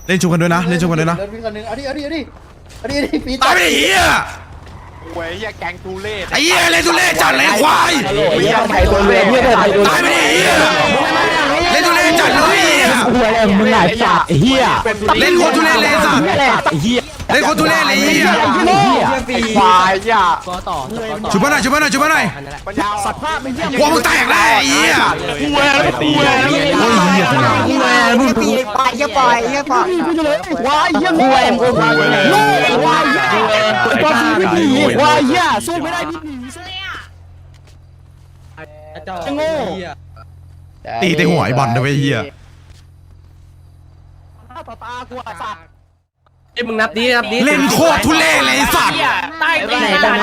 เล่นชุบกันด้วยนะเล่นชุบกันด้วยนะเล่นพี่คนนึงเอาดิปีตายไปดิเหี้ยโว้ยแกงตูเล่ไอ้เหี้ยเล่นทุเล่จัดเลยควายเหี้ยไทยโดนเลยเหี้ยไทยโดนตายไปดิเหี้ยเล่นทุเล่จัดเลยเหี้ยหัวอะไรมึงไหนสัตว์เหี้ยเล่นโคตรทุเล่เลยสัตว์เหี้ยเล่นโคตรทุเล่เลยเหี้ยควายอ่ะชุบมาหน่อยชุบมาหน่อยชุบมาหน่อยปัญญาสัตว์ภาพไม่เยี่ยมหัวมึงแตกแล้วไอ้เหี้ยกูแหวนตีแหวนโอ้ยเหี้ยขนาดมึงปีไปอย่าปล่อยว้ายเหี้ยหัวมึงลูกว้ายเหี้ยตัวพี่ไม่ดีว้ายเหี้ยสู้ไม่ได้พี่จะโง่ตีแต่หัวไอ้บอลนะเว้ยเหี้ยต่อตากูอ่ะสัตว์ไอ้มึงนับดิเล่นโคตรทุเล่เลยไอ้สัตว์ใต้ตี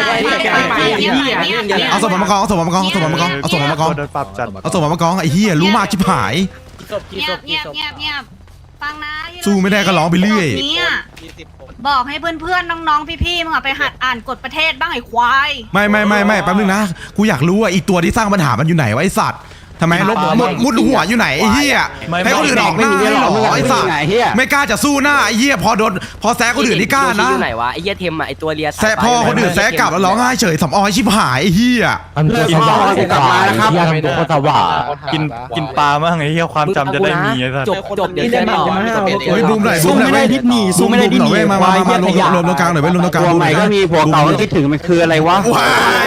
นเอาศพมากองเอาศพมากองเอาศพมากองเอาศพมากองโดนปรับจัดเอาศพมากองไอ้เหี้ยรู้มากชิบหายเงียบเงียบเงียบเงียบฟังนะสู้ไม่ได้ก็ร้องไปเรื่อยเนี่ยบอกให้เพื่อนๆน้องๆพี่ๆมึงอะไปหัดอ่านกฎประเทศบ้างไอ้ควายไม่แป๊บนึงนะกูอยากรู้ว่าอีตัวที่สร้างปัญหามันอยู่ไหนวะไอ้สัตว์ทำไมลบมุดหัวอยู่ไหนไอ้เหี้ยให้คนอื่นออกหน้าให้หรอไอ้สัตว์ไม่กล้าจะสู้หน้าไอ้เหี้ยพอแซะคนอื่นนี่กล้านะอยู่ไหนวะไอ้เหี้ยเทมอ่ะไอ้ตัวเลียแซะพอคนอื่นแซะกลับแล้วร้องไห้เฉยสำออยชิบหายไอ้เหี้ยกินข้าวกลับมานะครับคนสว่างกินปลามั่งไอ้เหี้ยความจำจะได้มีไอ้สัสจบเดี๋ยวเจอต่อเฮ้ยบูมหน่อยสู้ไม่ได้ดิสนีย์สู้ไม่ได้ดิสนีย์มารวมตรงกลางหน่อยเว้ยรวมตรงกลางผัวใหม่ก็มีผัวเก่าก็คิดถึงมันคืออะไรวะว้าย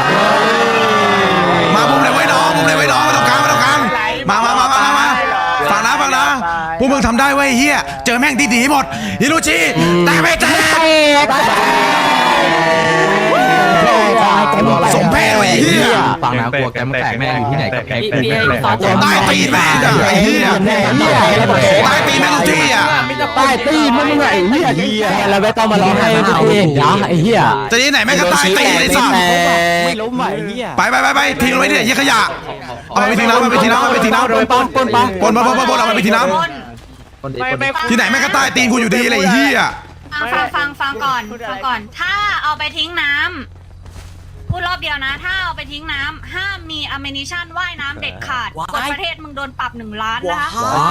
มาบูมเลยไว้น้องบูมเลยไว้น้องมาตรงกลางมาฟังนะพวกมึงทำได้เว้ยเฮียเจอแม่งดีๆหมดฮิโรชิแต่ไม่แตกสมเพศเว้ยเฮียฟังนะกลัวแกมันแตกแม่งอยู่ที่ไหนกับแกตายตีแม่งไอ้เฮียตายตีแม่งทุกที่อ่ะใต้ตีนมึงไอ้เหี้ยแล้วไม่ต้องมาร้องให้ตัวเองนะไอ้เหี้ยจะที่ไหนแม่งก็ตายตีไอ้สัสไม่ล้มไหวเหี้ยไปทิ้งไว้เนี่ยยี่ขยะเอาไปทิ้งน้ำเอาไปทิ้งน้ำปนเอาไปทิ้งน้ำที่ไหนแม่งก็ตายตีกูอยู่ดีเลยไอ้เฮียฟังก่อนถ้าเอาไปทิ้งน้ำพูดรอบเดียวนะ ถ้าเอาไปทิ้งน้ำห้ามมีอเมนิชั่นว่ายน้ำเด็ดขาดกฎประเทศมึงโดนปรับ1 ล้านนะคะ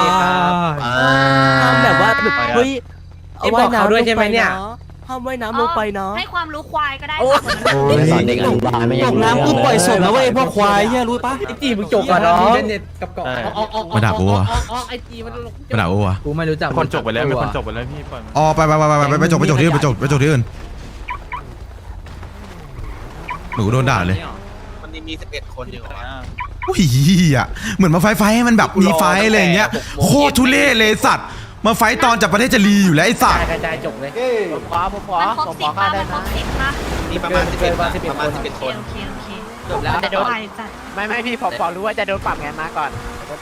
ทำแบบว่าแบบเฮ้ยเอาว่ายน้ำด้วยใช่ไหมเนี่ยห้ามว่ายน้ำลงไปเนาะให้ความรู้ควายก็ได้สอนเด็กอนุบาลไม่ตกน้ำกูปล่อยศพนะเว้ยพวกควายเหี้ยรู้ปะไอ้จีมึงจบก่อนเนาะมาด่ากูวะไอ้จีมันมาด่ากูวะกูไม่รู้จักคนจบไปแล้วมีคนจบไปแล้วพี่ปล่อยอ๋อไปจบที่อื่นไปจบที่อื่นหนูโดนด่าเลยมันมี11 คนอยู่อุ้ยอ่ะเหมือนมาไฟให้มันแบบมีไฟอะไรอย่างเงี้ยโคตรทุเล่เลยสัตว์มาไฟตอนจากประเทศจะรีอยู่แล้วไอ้สัตว์กระจายจบเลยมันครบ10ป่ะมันครบ10ป่ะมีประมาณ11คนโอเคจบแล้วจะโดนจ้ะไม่พี่ผมรู้ว่าจะโดนปรับไงมาก่อน